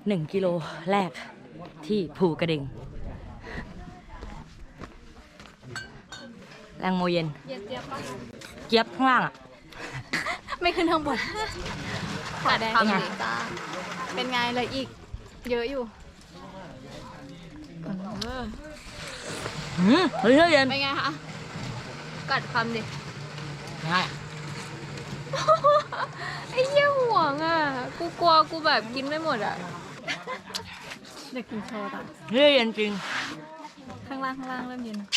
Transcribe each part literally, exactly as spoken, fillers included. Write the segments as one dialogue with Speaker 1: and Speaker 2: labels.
Speaker 1: หนึ่งกิโลแรกที่ภูกระดึงแรงโมเย็น
Speaker 2: เย็นเจี๊ยบปะ
Speaker 1: เจี๊ยบข้างล่างอ่ะ
Speaker 2: ไม่ขึ้นข้างบนขาแดงเป็นไงจ้าเป็นไงเลยอีกเยอะอยู่
Speaker 1: อืมเฮ้ยเย็น
Speaker 2: เป็นไงคะกัดคำดิ
Speaker 1: ง่าย
Speaker 2: ไอ้เหี้ยห่วงอ่ะกูกลัวกูแบบกินไม่หมดอ่ะเด็กกินโชว์ต่อ
Speaker 1: เฮ้ยเย็นจริง
Speaker 2: ข้างล่างข้างล่างเริ่มเย็น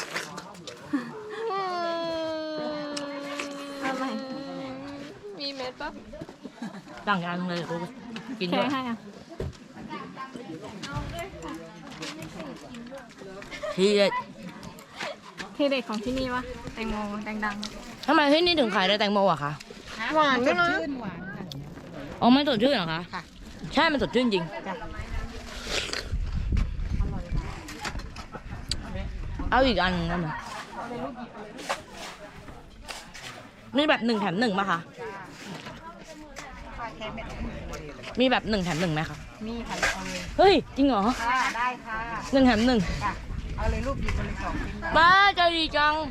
Speaker 2: อะไรมีเม็ดปะ
Speaker 1: ตั้งงานเลยกูกิน
Speaker 2: แค่
Speaker 1: ด้วย
Speaker 2: ให้อ่ะ
Speaker 1: ที่
Speaker 2: ที่เด็กของที่นี่วะแตงโมแตงดัง
Speaker 1: ทำไมที่นี่ถึงขายได้แตงโมอะคะ
Speaker 2: หวานด้วยนะ
Speaker 1: อ๋อมันสดชื่นเหรอคะใช่มันสดชื่นจริงเอาอีกอันนึงได้ไหมนี่แบบหนึ่งแถมหนึ่งป่ะคะมีแบบหนึ่งแถมหนึ่งไหมคะ
Speaker 3: มีค่ะเอาเลย
Speaker 1: เฮ้ยจริงเหรอ
Speaker 3: ค่ะได้ค่ะ
Speaker 1: หนึ่งแถมหนึ่ง
Speaker 3: ค่ะเอาเลยลูกหยิบมาเลยสองชิ้น
Speaker 1: บ้าใจดีจัง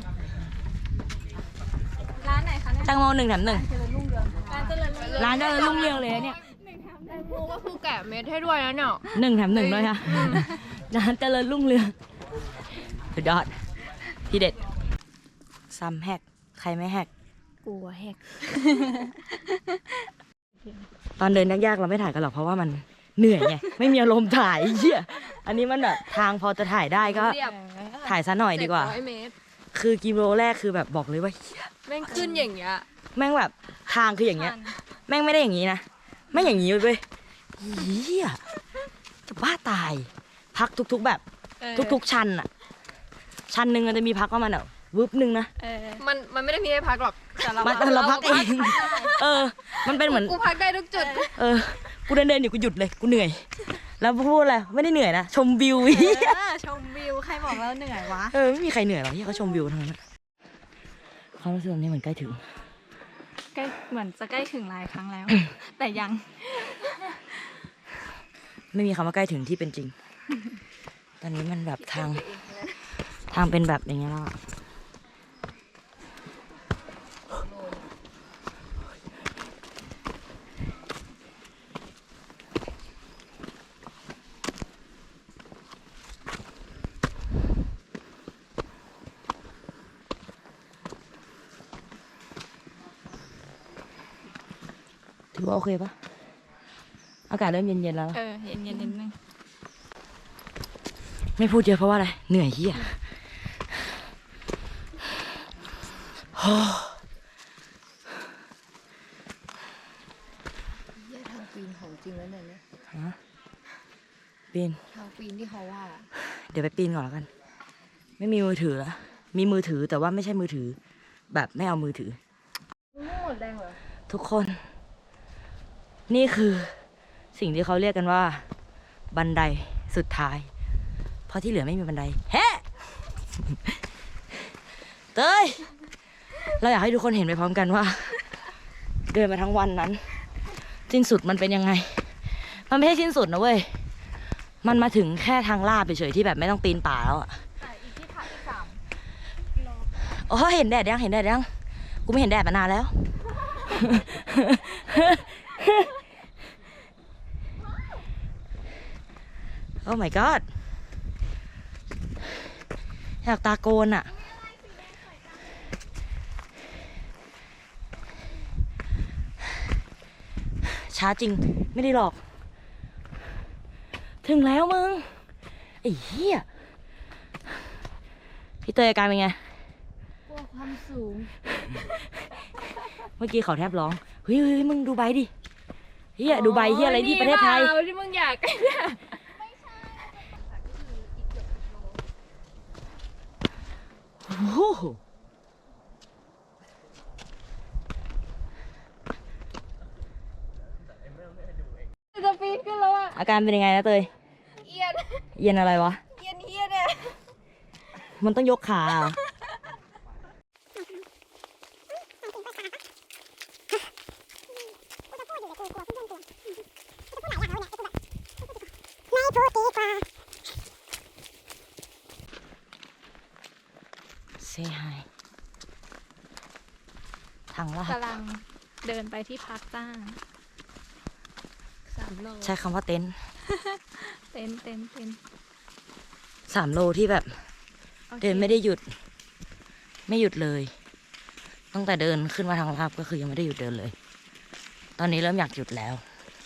Speaker 2: ร้านไหนคะเนี่ย
Speaker 1: แตงโมหนึ่งแถมหนึ่ง
Speaker 2: ร้านเจริญรุ่งเรือง
Speaker 1: ร้านเจริญรุ่งเรืองเลยเนี่ย
Speaker 2: แตงโมก็คือแกะเม็ดให้ด้วยนะเนาะ
Speaker 1: หนึ่งแถมหนึ่งด้วยค่ะร้านเจริญรุ่งเรืองสุดยอดที่เด็ดซ้ำแฮกใครไม่แฮก
Speaker 2: กลัวแหก
Speaker 1: ตอนเดินยากๆเราไม่ถ่ายกันหรอกเพราะว่ามันเหนื่อยไงไม่มีอารมณ์ถ่ายเหี้ยอันนี้มันแบบทางพอจะถ่ายได้ก็
Speaker 2: เรียบ
Speaker 1: ถ่ายซะหน่อยดีกว่า
Speaker 2: เจ็ร้อยเมตร
Speaker 1: คือกิโลแรกคือแบบบอกเลยว่าเหี้ย
Speaker 2: แม่งขึ้นอย่างเงี้ย
Speaker 1: แม่งแบบทางคืออย่างเงี้ย แม่งไม่ได้อย่างนี้นะแม่งอย่างนี้เว้ยเหี้ยจะบ้าตาย พักทุกๆแบบ ทุกๆชันอะชันหนึ่งมันจะมีพักว่ามันแบบวึบหนึ่งนะ
Speaker 2: มันมันไม่ได้มีให้พักหรอกแต่เรา
Speaker 1: มันเราพักเองเออ มันเป็นเหมือน
Speaker 2: กูพักได้ทุกจุด
Speaker 1: เออกูเดินเดินอยู่กูหยุดเลยกูเหนื่อย แล้วพูดอะไรไม่ได้เหนื่อยนะชมวิวเหี้ย
Speaker 2: ชมวิวใครบอกว่าเหนื่อยวะ
Speaker 1: เออไม่มีใครเหนื่อยหรอกที่เขาชมวิวทั้งนั้นความรู้สึกนี้เหมือนใกล้ถึง
Speaker 2: ใกล้เหมือนจะใกล้ถึงหลายครั้งแล้ว แต่ยัง
Speaker 1: ไม่มีคำว่าใกล้ถึงที่เป็นจริง ตอนนี้มันแบบทางทางเป็นแบบอย่างเงี้ยแล้วอะถือว่าโอเคปะอากาศเริ่มเย็นๆแล้ว
Speaker 2: เออเย็นเย็นนิดนึง
Speaker 1: ไม่พูดเยอะเพราะว่าอะไร เหนื่อยเหี้ยโอ้
Speaker 3: เยี่ยทางปีนของจริงแล้วเนี่ย
Speaker 1: ฮะปีน
Speaker 3: ทางปีนที่เขาว่า
Speaker 1: เดี๋ยวไปปีนก่อนแล้วกัน ไม่มีมือถือแล้วมีมือถือแต่ว่าไม่ใช่มือถือ แบบไม่เอามือถือ
Speaker 2: ไม่หมดแรงเหรอ
Speaker 1: ทุกคน นี่คือสิ่งที่เขาเรียกกันว่า บันไดสุดท้าย เพราะที่เหลือไม่มีบันไดเฮ้เต้ยเราอยากให้ทุกคนเห็นไปพร้อมกันว่า เดินมาทั้งวันนั้น สิ้นสุดมันเป็นยังไง มันไม่ใช่สิ้นสุดนะเว้ยมันมาถึงแค่ทางลาดเฉยๆที่แบบไม่ต้องปีนป่าแล้วอะ
Speaker 2: แต่อีกที่ถ่ายอีกสาม
Speaker 1: โอ้เห็นแดดยังเห็นแดดยังกูไม่เห็นแดดมานานแล้ว โอ้ my god อยากตาโกนอะช้าจริงไม่ได้หรอก ถึงแล้วมึงไอ้เหี้ยพี่เตยอาการเป็นไง
Speaker 2: กลัวความสูง
Speaker 1: เมื่อกี้เขาแทบร้อง เฮ้ยเฮ้ยมึงดูใบดิเฮียดูใบเฮียอะไรที่ประเทศไทย
Speaker 2: ที่มึงอยากเนี่ย
Speaker 1: โอ้โห
Speaker 2: จะปีนขึ้นแล้วอ่ะ
Speaker 1: อาการเป็นยังไงนะเตย
Speaker 2: เอียน
Speaker 1: เย็นอะไรวะ
Speaker 2: เอียนเฮียเนี่ย
Speaker 1: มันต้องยกขาเหรอางลาด
Speaker 2: กำลังเดินไปที่พักจ้า
Speaker 3: สามโล
Speaker 1: ใช้คำว่าเต็นท์
Speaker 2: เต้นเต้นเต้น
Speaker 1: สามโลที่แบบ
Speaker 2: โอค
Speaker 1: เดินไม่ได้หยุด ไม่หยุดเลย ตั้งแต่เดินขึ้นมาทางลาบก็คือยังไม่ได้หยุดเดินเลย ตอนนี้เริ่มอยากหยุดแล้ว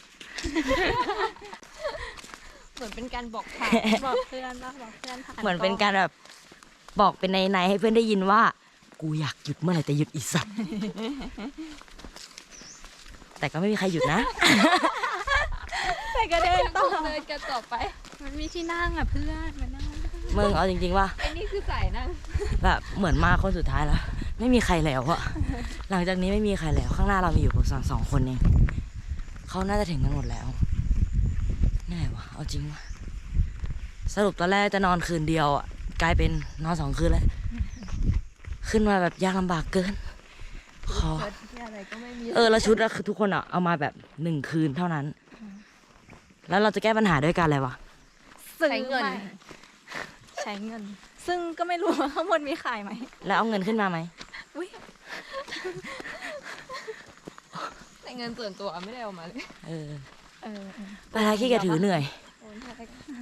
Speaker 3: เหมือนเป็นการบอกทาง
Speaker 2: บอกเพื่อนว่าบอกเพื่อนผ่าน
Speaker 1: เหมือนเป็นการแบบบอกเป็นในในๆให้เพื่อนได้ยินว่า กูอยากหยุดเมื่อไหร่แต่หยุดอีสัตว์ แต่ก็ไม่มีใครหยุดนะ
Speaker 2: แต่ก็เดินต่อ
Speaker 3: เดินกันต่อไป
Speaker 2: มันมีที่นั่งอ่ะเพื่อนมานั่ง
Speaker 1: มึงเอาจริงๆว่า
Speaker 3: ไอ้นี่คือสายนั่ง
Speaker 1: แบบเหมือนมาคนสุดท้ายแล้ว ไม่มีใครแล้วอะหลังจากนี้ไม่มีใครแล้ว ข้างหน้าเรามีอยู่ประมาณสองคนเองเขาน่าจะถึงกันหมดแล้วเหนื่อยวะเอาจริงวะสรุปตอนแรกจะนอนคืนเดียวอะกลายเป็นนอนสองคืนแล้ว ขึ้นมาแบบยากลำบากเกินขอ
Speaker 3: เกิดที่อะไรก็ไม่มี
Speaker 1: เออแล้วชุดอะคือทุกคนอะเอามาแบบหนึ่งคืนเท่านั้น แล้วเราจะแก้ปัญหาด้วยการอะไรวะ
Speaker 2: ซื้อ
Speaker 3: ใช้เงิน
Speaker 2: ใหม่ใช้เงิน ซึ่งก็ไม่รู้ว่าข้างบนมีขายไหม
Speaker 1: แล้วเอาเงินขึ้นมาไหม
Speaker 2: อุ้ย
Speaker 3: แต่เงินส่วนตัวไม่ได้เอามาเลย
Speaker 1: เออ
Speaker 2: เออเออ
Speaker 1: ไปท้ายขี้เกียจถือเหนื่อย
Speaker 2: เ